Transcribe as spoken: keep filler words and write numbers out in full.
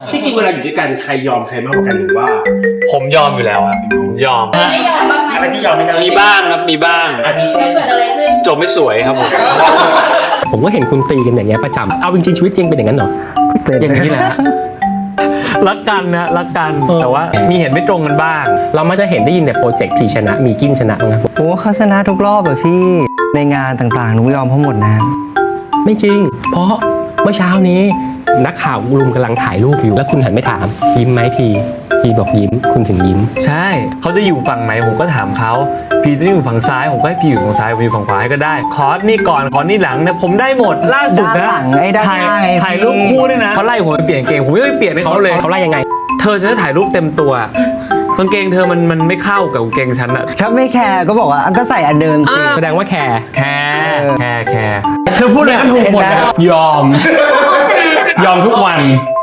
ที่จริงเวลาอยู่ด้วยกันใครยอมใครมากกว่ากันหรือว่าผมยอมอยู่แล้วครับผมยอมไม่ยอมบ้างไหมอะไรที่ยอมไม่ได้มีบ้างครับมีบ้างอาทิเช่นเกิดอะไรขึ้นจบไม่สวยครับผมผมก็เห็นคุณตีกันอย่างเงี้ยประจำเอาจริงๆชีวิตจริงเป็นอย่างนั้นเหรออย่างนี้แหละรักกันนะรักกันแต่ว่ามีเห็นไม่ตรงกันบ้างเรามักจะเห็นได้ยินแต่โปรเจกต์พีชนะมีกินชนะนะโอ้เขาชนะทุกรอบอะพี่ในงานต่างๆหนูยอมเขาหมดนะไม่จริง เพราะเมื่อเช้านี้นักข่าวรุมกำลังถ่ายรูปอยู่แล้วคุณหันไปถามยิ้มไหมพีพีบอกยิ้มคุณถึงยิ้มใช่เขาจะอยู่ฝั่งไหนผมก็ถามเขาพีจะอยู่ฝั่งซ้ายผมก็ให้พีอยู่ฝั่งซ้ายผมอยู่ฝั่งขวาให้ก็ได้คอร์สนี่ก่อนคอร์สนี่หลังเนี่ยผมได้หมดล่าสุดด้านนะหลังไอ้ด้านถ่ายหน้าไงถ่ายรูปคู่ด้วยนะเขาไล่ผมไปเปลี่ยนกางเกงผมไม่ไปเปลี่ยนให้เขาเลยเขาไล่ยังไงเธอจะได้ถ่ายรูปเต็มตัวกางเกงเธอมันมันไม่เข้ากับกางเกงฉันอะถ้าไม่แคร์ก็บอกว่าก็ใส่อันเดิมสิแสดงว่าแคร์แคร์แคร์แคร์เธอพูดอะไรก็ถูกหมดเห็นไหมยอม ยอมทุกวัน